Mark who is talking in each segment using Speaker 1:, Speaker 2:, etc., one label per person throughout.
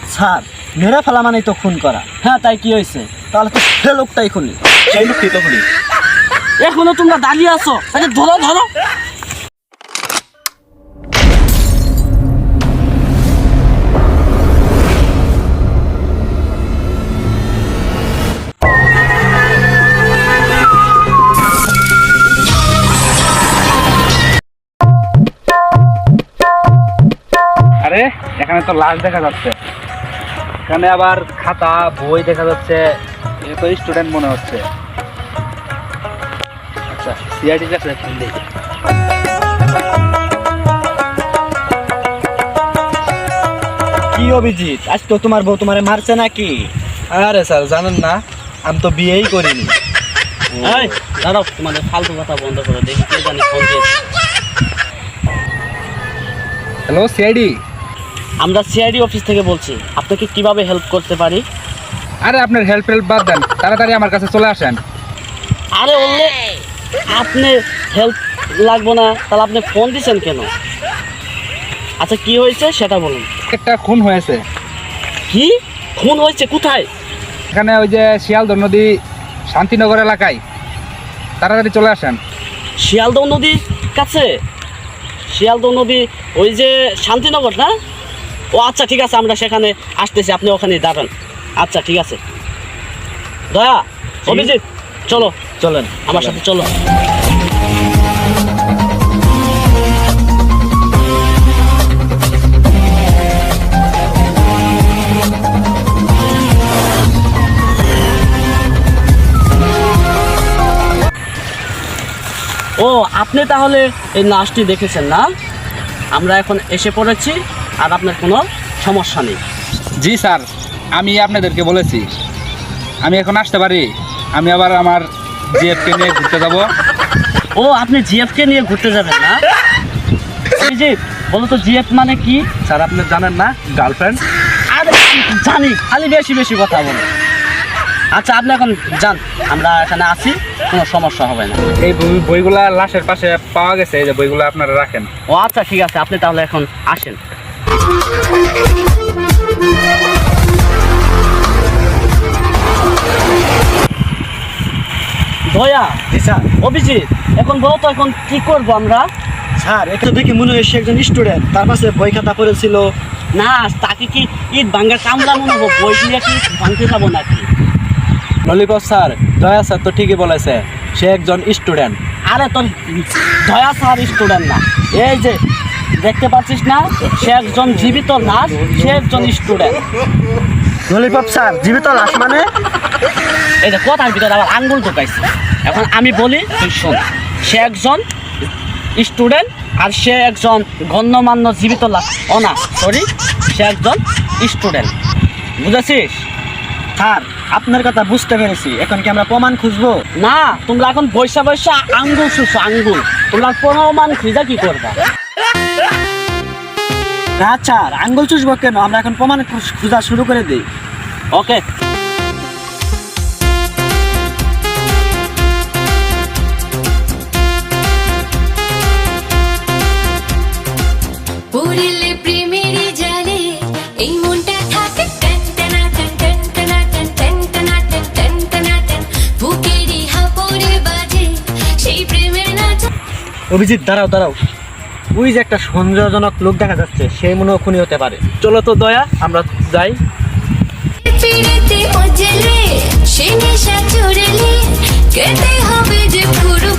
Speaker 1: Sir মেরে ফেলা মানে তো খুন করা।
Speaker 2: হ্যাঁ, তাই কি হয়েছে?
Speaker 1: তাহলে তো সে লোকটাই খুনি।
Speaker 3: সেই লোকটাই তো খুনি।
Speaker 2: এখনো তোমরা দাঁড়িয়ে আছো, তাহলে ধরো ধরো।
Speaker 3: আরে এখানে তো লাশ দেখা যাচ্ছে, এখানে আবার খাতা বই দেখা যাচ্ছে, এ তো স্টুডেন্ট মনে হচ্ছে। আচ্ছা, সিআইডি কাছে ফোন দিই।
Speaker 1: কি অভিজিৎ, আজ তো তোমার বউ তোমারে মারছে নাকি?
Speaker 3: আরে স্যার জানেন না, আমি তো বিয়েই করিনি।
Speaker 2: এই দাঁড়াও, তোমাদের ফালতু কথা বন্ধ করো, দেখি কে জানি ফোন দিয়েছে।
Speaker 3: Hello CID.
Speaker 2: আমরা সিআইডি অফিস থেকে বলছি, আপনাকে কিভাবে হেল্প করতে পারি?
Speaker 3: আরে আপনার হেল্প বাদ দেন, তাড়াতাড়ি আমার কাছে চলে আসেন।
Speaker 2: আরে বললে আপনি হেল্প লাগবো না, তাহলে আপনি ফোন দিয়েছেন কেন? আচ্ছা কি হয়েছে সেটা বলুন।
Speaker 3: একটা খুন হয়েছে।
Speaker 2: কি খুন হয়েছে? কোথায়?
Speaker 3: এখানে ওই যে শিয়ালদহ নদী শান্তিনগর এলাকায়, তাড়াতাড়ি চলে আসেন।
Speaker 2: শিয়ালদহ নদীর কাছে? শিয়ালদহ নদী ওই যে শান্তিনগর না? ও আচ্ছা ঠিক আছে, আমরা সেখানে আসতেছি, আপনি ওখানে দাঁড়ান। আচ্ছা ঠিক আছে। দয়া, অভিজিৎ চলো,
Speaker 1: চলেন
Speaker 2: আমার সাথে চলো। ও আপনি তাহলে এই নাচটি দেখেছেন না? আমরা এখন এসে পড়েছি, আর আপনার কোনো সমস্যা নেই।
Speaker 3: জি স্যার, আমি আপনাদেরকে বলেছি আমি এখন আসতে পারি। আমি আবার আমার জিএফকে নিয়ে ঘুরতে যাব।
Speaker 2: ও আপনি জিএফকে নিয়ে ঘুরতে যাবেন না? অভিজিৎ বলো তো জিএফ মানে কি?
Speaker 3: স্যার আপনি জানেন না, গার্লফ্রেন্ড।
Speaker 2: আরে জানি, খালি বেশি বেশি কথা বলো। আচ্ছা আপনি এখন যান, আমরা এখানে আছি, কোনো সমস্যা হবে না।
Speaker 3: এই বইগুলা লাশের পাশে পাওয়া গেছে, এই যে বইগুলো আপনারা রাখেন।
Speaker 2: ও আচ্ছা ঠিক আছে, আপনি তাহলে এখন আসেন। দয়া,
Speaker 1: স্যার।
Speaker 2: অভিজিৎ এখন বলো তো এখন কি করবো আমরা?
Speaker 1: স্যার এটা দেখি মনে হয় সে একজন স্টুডেন্ট, তার পাশে বই খাতা পড়েছিল।
Speaker 2: না তাকে কি ইট ভাঙ্গা কামলা মনে হবো? বই দিয়ে কি ভাঙতে যাবো নাকি?
Speaker 3: ললিপপ স্যার, দয়া স্যার তো ঠিকই বলেছে, সে একজন স্টুডেন্ট।
Speaker 2: আরে তোর দয়া স্যার স্টুডেন্ট না, এই যে দেখতে পাচ্ছিস না, সে একজন জীবিত লাশ, সে একজন স্টুডেন্ট।
Speaker 1: ললিপপ স্যার জীবিত লাশ মানে?
Speaker 2: এই যে কথার ভিতরে আবার আঙ্গুল ঢুকাইছে। এখন আমি বলি তুই শোন, সে একজন স্টুডেন্ট আর সে একজন গণ্যমান্য জীবিত লাশ। ও না সরি, সে একজন স্টুডেন্ট, বুঝেছিস?
Speaker 1: স্যার আপনার কথা বুঝতে পেরেছি, এখন কি আমরা প্রমাণ খুঁজবো?
Speaker 2: না, তোমরা এখন বৈশা বৈশা আঙ্গুল শুষো আঙ্গুল, তোমরা প্রমাণ খুঁজা কি করবা?
Speaker 1: না স্যার, আঙ্গুল চুষবো কেন, আমরা এখন প্রমাণ খোঁজা শুরু করে দিই।
Speaker 2: ওকে।
Speaker 4: পুরিলে প্রেমেরই জালে এই মনটা থাকে টান টানা টান টান টানা টান টান টানা টান টান টানা টান বুকেরই হাপড়ে বাজে সেই প্রেমের নাচ।
Speaker 1: অভিজিৎ দাঁড়াও দাঁড়াও, ওই যে একটা সন্দেহজনক লোক দেখা যাচ্ছে, সেই মনে হয় খুনি হতে পারে।
Speaker 2: চলো তো দয়া, আমরা যাই।
Speaker 4: পিড়িতে মজলে সে নেশা চড়লে কেটে হবে যে পুরো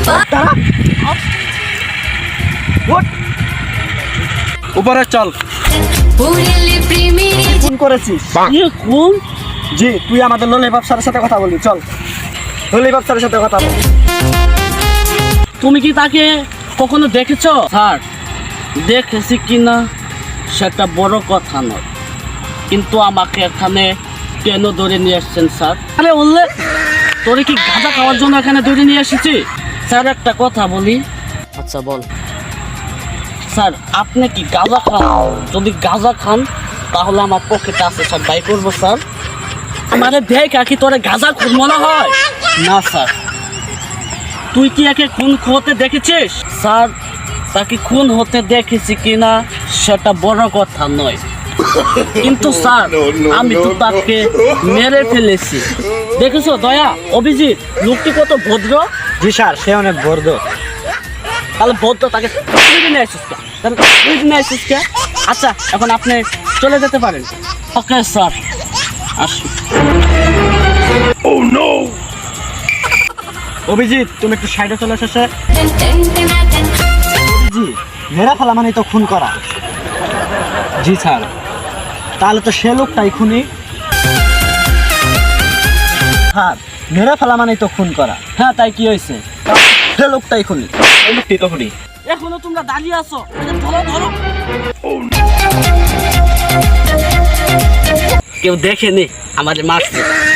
Speaker 3: উপরে চল।
Speaker 4: পুরিলে প্রেমেরই
Speaker 1: ফোন করেছিস?
Speaker 2: কোন?
Speaker 1: জি, তুই আমাদের ললিপপ স্যারের সাথে কথা বলবি, চল ললিপপ স্যারের সাথে কথা বল।
Speaker 2: তুমি কি তাকে কখনো দেখেছো? স্যার দেখেছি কিনা সেটা বড় কথা নয়, কিন্তু আমাকে এখানে কেন ধরে নিয়ে আসছেন স্যার? আরে বললে তোরে কি গাঁজা খাওয়ার জন্য এখানে ধরে নিয়ে এসেছি? স্যার একটা কথা বলি। আচ্ছা বল। স্যার আপনি কি গাঁজা খান? যদি গাঁজা খান তাহলে আমার পকেটে আছে, সব বাই করবো স্যার। আমারে দেখ কি তোরে গাঁজা খুন মনে হয়? না স্যার। তুই কি একে খুন হতে দেখেছিস? স্যার তাকে খুন হতে দেখেছি কিনা সেটা বড় কথা নয়, কিন্তু স্যার আমি তো তাকে মেরে ফেলেছি। দেখেছো দয়া, অভিজিৎ লোকটি কত ভদ্র।
Speaker 1: জি স্যার, সে অনেক বর্দ।
Speaker 2: তাহলে ভদ্র তাকে নিয়ে আসিস কে? তাহলে নিয়ে আসিস কে? আচ্ছা এখন আপনি চলে যেতে পারেন। ওকে স্যার, আসি।
Speaker 1: অভিজিৎ, তুমি একটু সাইডে চলে এসেছে।
Speaker 4: टन टन टना टन
Speaker 1: জি, মেরা ফেলা মানে তো খুন করা। জি স্যার। তাহলে তো সে লোকটাই খুনি। হ্যাঁ, মেরা ফেলা মানে তো খুন করা।
Speaker 2: হ্যাঁ, তাই কি হয়েছে?
Speaker 1: সে লোকটাই খুনি।
Speaker 3: এই লোকটি তো খুনি।
Speaker 2: এখনো তোমরা দাঁড়িয়ে আছো? এদের ধরো ধরো। কেউ দেখেনি আমাদের মারছে।